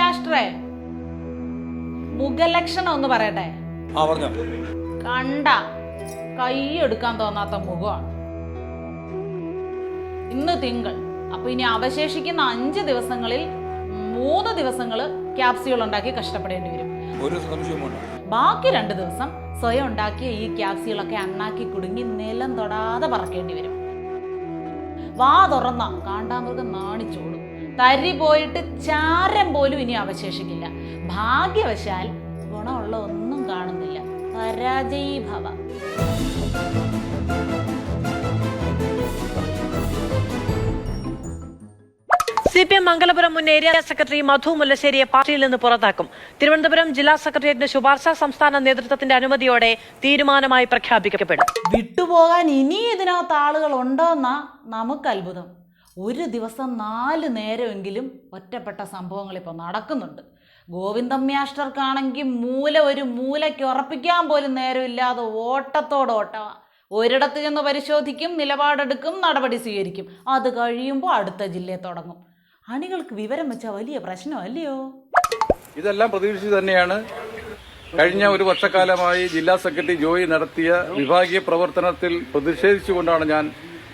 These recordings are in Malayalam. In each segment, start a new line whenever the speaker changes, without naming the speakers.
രാഷ്ട്രേ, മുഖലക്ഷണം ഒന്ന് പറയട്ടെ. കണ്ട കൈയെടുക്കാൻ തോന്നാത്ത മുഖമാണ്. ഇന്ന് തിങ്കൾ, അപ്പൊ ഇനി അവശേഷിക്കുന്ന 5 ദിവസങ്ങളിൽ 3 ദിവസങ്ങള് ക്യാപ്സ്യൂൾ ഉണ്ടാക്കി കഷ്ടപ്പെടേണ്ടി വരും. ബാക്കി 2 ദിവസം സ്വയം ഉണ്ടാക്കിയ ഈ ക്യാപ്സ്യൂളൊക്കെ അണ്ണാക്കി കുടുങ്ങി നിലം തൊടാതെ പറക്കേണ്ടി വരും. വാ തുറന്ന കാണ്ടാമൃഗം നാണിച്ചോടും. തരി പോയിട്ട് ചാരം പോലും ഇനി അവശേഷിക്കില്ല. ഭാഗ്യവശാൽ ഗുണമുള്ള ഒന്നും കാണുന്നില്ല. പരാജയീഭവ.
CPM മംഗലപുരം മുൻ ഏരിയ സെക്രട്ടറി മധു മുല്ലശ്ശേരിയെ പാർട്ടിയിൽ നിന്ന് പുറത്താക്കും. തിരുവനന്തപുരം ജില്ലാ സെക്രട്ടേറിയറ്റിന്റെ ശുപാർശ സംസ്ഥാന നേതൃത്വത്തിന്റെ അനുമതിയോടെ തീരുമാനമായി പ്രഖ്യാപിക്കപ്പെടും.
വിട്ടുപോകാൻ ഇനി ഇതിനകത്ത് ആളുകൾ ഉണ്ടോന്നാ നമുക്ക് അത്ഭുതം. ഒരു ദിവസം 4 നേരമെങ്കിലും ഒറ്റപ്പെട്ട സംഭവങ്ങൾ ഇപ്പോൾ നടക്കുന്നുണ്ട്. ഗോവിന്ദമ്യാഷ്ടർക്കാണെങ്കിൽ ഒരു മൂലയ്ക്ക് ഉറപ്പിക്കാൻ പോലും നേരമില്ലാതെ ഓട്ടത്തോടോട്ടമാണ്. ഒരിടത്ത് ചെന്ന് പരിശോധിക്കും, നിലപാടെടുക്കും, നടപടി സ്വീകരിക്കും. അത് കഴിയുമ്പോൾ അടുത്ത ജില്ലയെ തുടങ്ങും. അണികൾക്ക് വിവരം വെച്ചാൽ വലിയ പ്രശ്നമല്ലയോ?
ഇതെല്ലാം പ്രതീക്ഷിച്ച് തന്നെയാണ് കഴിഞ്ഞ ഒരു വർഷക്കാലമായി ജില്ലാ സെക്രട്ടറി ജോയി നടത്തിയ വിഭാഗീയ പ്രവർത്തനത്തിൽ പ്രതിഷേധിച്ചുകൊണ്ടാണ് ഞാൻ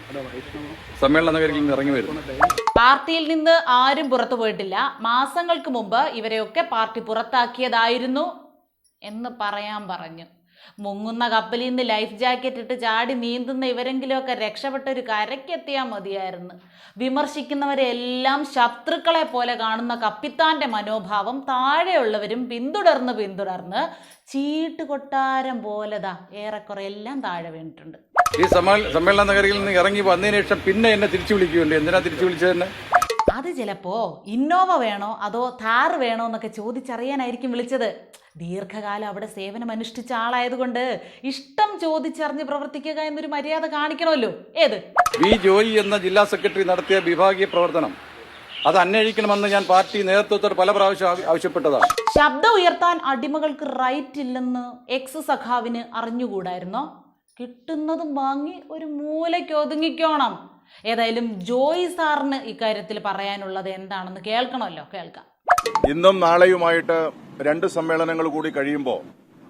സമ്മേളന നഗരിൽ നിന്ന് ഇറങ്ങി വരുന്നത്.
പാർട്ടിയിൽ നിന്ന് ആരും പുറത്തു പോയിട്ടില്ല. മാസങ്ങൾക്ക് മുമ്പ് ഇവരെയൊക്കെ പാർട്ടി പുറത്താക്കിയതായിരുന്നു എന്ന് പറയാൻ പറഞ്ഞു. മുങ്ങുന്ന കപ്പലിൽ നിന്ന് ലൈഫ് ജാക്കറ്റ് ഇട്ട് ചാടി നീന്തുന്ന ഇവരെങ്കിലുമൊക്കെ രക്ഷപ്പെട്ടൊരു കരയ്ക്കെത്തിയാൽ മതിയായിരുന്നു. വിമർശിക്കുന്നവരെല്ലാം ശത്രുക്കളെ പോലെ കാണുന്ന കപ്പിത്താന്റെ മനോഭാവം താഴെയുള്ളവരും പിന്തുടർന്ന് ചീട്ട് കൊട്ടാരം പോലെതാ ഏറെക്കുറെ എല്ലാം താഴെ വീണിട്ടുണ്ട്.
ഈ സമ്മേളന നഗരിയിൽ നിന്ന് ഇറങ്ങി വന്നതിന് ശേഷം പിന്നെ എന്നെ തിരിച്ചു വിളിക്കുകയുണ്ട്. എന്തിനാ തിരിച്ചു വിളിച്ചതെന്ന്?
അത് ചിലപ്പോ ഇന്നോവ വേണോ അതോ താർ വേണോ എന്നൊക്കെ ചോദിച്ചറിയാനായിരിക്കും വിളിച്ചത്. ദീർഘകാലം അവിടെ സേവനം അനുഷ്ഠിച്ച ആളായതുകൊണ്ട് ഇഷ്ടം ചോദിച്ചറിഞ്ഞ് പ്രവർത്തിക്കുക എന്നൊരു മര്യാദ കാണിക്കണമല്ലോ. ഏത്
വി ജോയി എന്ന ജില്ലാ സെക്രട്ടറി നടത്തിയ വിഭാഗീയ പ്രവർത്തനം അത് അന്വേഷിക്കണമെന്ന് ഞാൻ പാർട്ടി നേതൃത്വത്തോട് പല പ്രാവശ്യം ആവശ്യപ്പെട്ടതാണ്.
ശബ്ദം ഉയർത്താൻ അടിമകൾക്ക് റൈറ്റ് ഇല്ലെന്ന് എക്സ് സഖാവിന് അറിഞ്ഞുകൂടായിരുന്നോ? കിട്ടുന്നതും വാങ്ങി ഒരു മൂലയ്ക്ക് ഒതുങ്ങിക്കോണം. ഏതായാലും ജോയി സാറിന് ഇക്കാര്യത്തിൽ പറയാനുള്ളത് എന്താണെന്ന് കേൾക്കണമല്ലോ. കേൾക്കാം.
ഇന്നും നാളെയുമായിട്ട് 2 സമ്മേളനങ്ങൾ കൂടി കഴിയുമ്പോൾ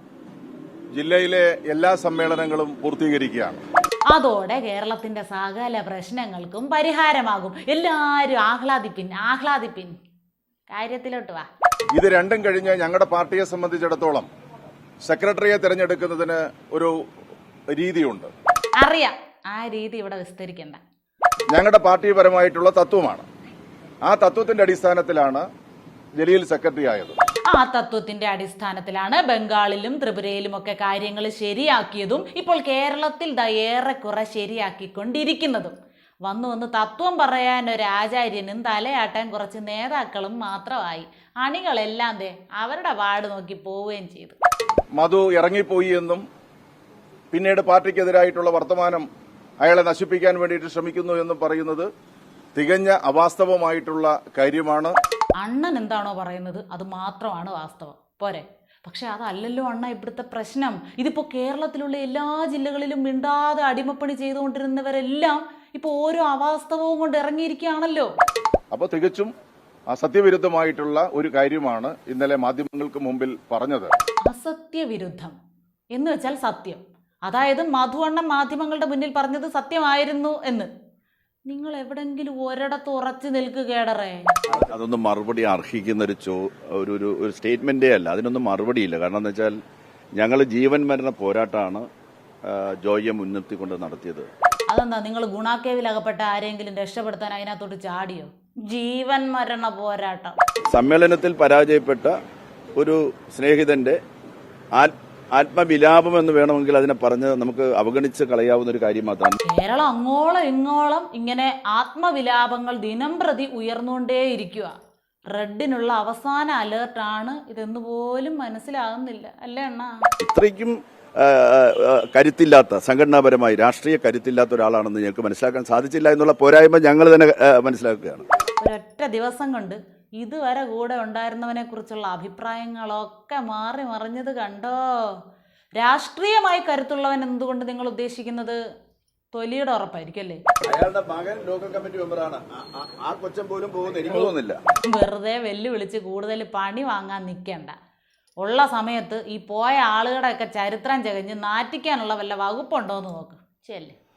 ജില്ലയിലെ എല്ലാ സമ്മേളനങ്ങളും പൂർത്തീകരിക്കുകയാണ്.
അതോടെ കേരളത്തിന്റെ സകല പ്രശ്നങ്ങൾക്കും പരിഹാരമാകും. എല്ലാവരും ആഹ്ലാദിപ്പിൻ. കാര്യത്തിലോട്ട് വാ.
ഇത് രണ്ടും കഴിഞ്ഞ് ഞങ്ങളുടെ പാർട്ടിയെ സംബന്ധിച്ചിടത്തോളം സെക്രട്ടറിയെ തിരഞ്ഞെടുക്കുന്നതിന് ഒരു രീതിയുണ്ട്.
അറിയാം, ആ രീതി ഇവിടെ വിസ്തരിക്കണ്ട.
ഞങ്ങളുടെ പാർട്ടിപരമായിട്ടുള്ള തത്വമാണ്. ആ തത്വത്തിന്റെ അടിസ്ഥാനത്തിലാണ് ജലീൽ സെക്രട്ടറി ആയത്.
ആ തത്വത്തിന്റെ അടിസ്ഥാനത്തിലാണ് ബംഗാളിലും ത്രിപുരയിലും ഒക്കെ കാര്യങ്ങൾ ശരിയാക്കിയതും ഇപ്പോൾ കേരളത്തിൽ ഏറെക്കുറെ ശരിയാക്കിക്കൊണ്ടിരിക്കുന്നതും. വന്ന് തത്വം പറയാൻ ഒരു ആചാര്യനും തലയാട്ടാൻ കുറച്ച് നേതാക്കളും മാത്രമായി. അണികളെല്ലാം അവരുടെ വാർഡ് നോക്കി പോവുകയും ചെയ്തു.
മധു ഇറങ്ങിപ്പോയി എന്നും പിന്നീട് പാർട്ടിക്കെതിരായിട്ടുള്ള വർത്തമാനം അയാളെ നശിപ്പിക്കാൻ വേണ്ടിയിട്ട് ശ്രമിക്കുന്നു എന്നും പറയുന്നത് തികഞ്ഞ അവാസ്തവമായിട്ടുള്ള കാര്യമാണ്.
അണ്ണൻ എന്താണോ പറയുന്നത് അത് മാത്രമാണ് വാസ്തവം, പോരെ? പക്ഷെ അതല്ലല്ലോ അണ്ണ ഇവിടുത്തെ പ്രശ്നം. ഇതിപ്പോ കേരളത്തിലുള്ള എല്ലാ ജില്ലകളിലും മിണ്ടാതെ അടിമപ്പണി ചെയ്തുകൊണ്ടിരുന്നവരെല്ലാം ഇപ്പൊ ഓരോ അവാസ്തവവും കൊണ്ട് ഇറങ്ങിയിരിക്കുകയാണല്ലോ.
അപ്പൊ തികച്ചും അസത്യവിരുദ്ധമായിട്ടുള്ള ഒരു കാര്യമാണ് ഇന്നലെ മാധ്യമങ്ങൾക്ക് മുമ്പിൽ പറഞ്ഞത്.
അസത്യവിരുദ്ധം എന്ന് വെച്ചാൽ സത്യം. അതായത് മധു അണ്ണൻ മാധ്യമങ്ങളുടെ മുന്നിൽ പറഞ്ഞത് സത്യമായിരുന്നു എന്ന്. നിങ്ങൾ എവിടെങ്കിലും ഒരിടത്ത് ഉറച്ചു നിൽക്കുകേടറേ.
അതൊന്നും മറുപടി അർഹിക്കുന്ന ഒരു സ്റ്റേറ്റ്മെന്റേ അല്ല. അതിനൊന്നും മറുപടിയില്ല. കാരണം എന്താ വെച്ചാൽ ഞങ്ങൾ ജീവൻ മരണ പോരാട്ടമാണ് ജോയിയെ മുൻനിർത്തിക്കൊണ്ട് നടത്തിയത്.
അതെന്താ, നിങ്ങൾ ഗുണാക്കേവിൽ അകപ്പെട്ട ആരെങ്കിലും രക്ഷപ്പെടുത്താൻ അതിനകത്തോട്ട് ചാടിയോ? ജീവൻ മരണ പോരാട്ടം.
സമ്മേളനത്തിൽ പരാജയപ്പെട്ട ഒരു സ്നേഹിതന്റെ ആത്മവിലാപം എന്ന് വേണമെങ്കിൽ അതിനെ പറഞ്ഞ് നമുക്ക് അവഗണിച്ച് കളയാവുന്ന ഒരു കാര്യം മാത്രമാണ്.
കേരളം അങ്ങോളം ഇങ്ങോളം ഇങ്ങനെ ആത്മവിലാപങ്ങൾ ദിനം പ്രതി ഉയർന്നുകൊണ്ടേയിരിക്കുക. റെഡിനുള്ള അവസാന അലേർട്ടാണ് ഇതെന്ന് പോലും മനസ്സിലാകുന്നില്ല, അല്ലേ അണ്ണാ?
ഇത്രയ്ക്കും കരുത്തില്ലാത്ത, സംഘടനാപരമായി രാഷ്ട്രീയ കരുത്തില്ലാത്ത ഒരാളാണെന്ന് ഞങ്ങൾക്ക് മനസ്സിലാക്കാൻ സാധിച്ചില്ല എന്നുള്ള പോരായ്മ ഞങ്ങൾ തന്നെ മനസ്സിലാക്കുകയാണ്.
ഒരൊറ്റ ദിവസം കൊണ്ട് ഇതുവരെ കൂടെ ഉണ്ടായിരുന്നവനെ കുറിച്ചുള്ള അഭിപ്രായങ്ങളൊക്കെ മാറി മറിഞ്ഞത് കണ്ടോ? രാഷ്ട്രീയമായി കരുത്തുള്ളവൻ എന്തുകൊണ്ട് നിങ്ങൾ ഉദ്ദേശിക്കുന്നത്? തൊലിയുടെ ഉറപ്പായിരിക്കും അല്ലേ?
അയാളുടെ മകൻ ലോക്കൽ കമ്മിറ്റി മെമ്പറാണ്. ആ കൊച്ചൻ പോലും പോകുന്ന എനിക്ക് തോന്നുന്നില്ല.
വെറുതെ വെല്ലുവിളിച്ച് കൂടുതൽ പണി വാങ്ങാൻ നിൽക്കണ്ട. ഉള്ള സമയത്ത് ഈ പോയ ആളുകളുടെയൊക്കെ ചരിത്രം ചകഞ്ഞ് നാറ്റിക്കാനുള്ള വല്ല വകുപ്പുണ്ടോ എന്ന് നോക്ക്. ശരി.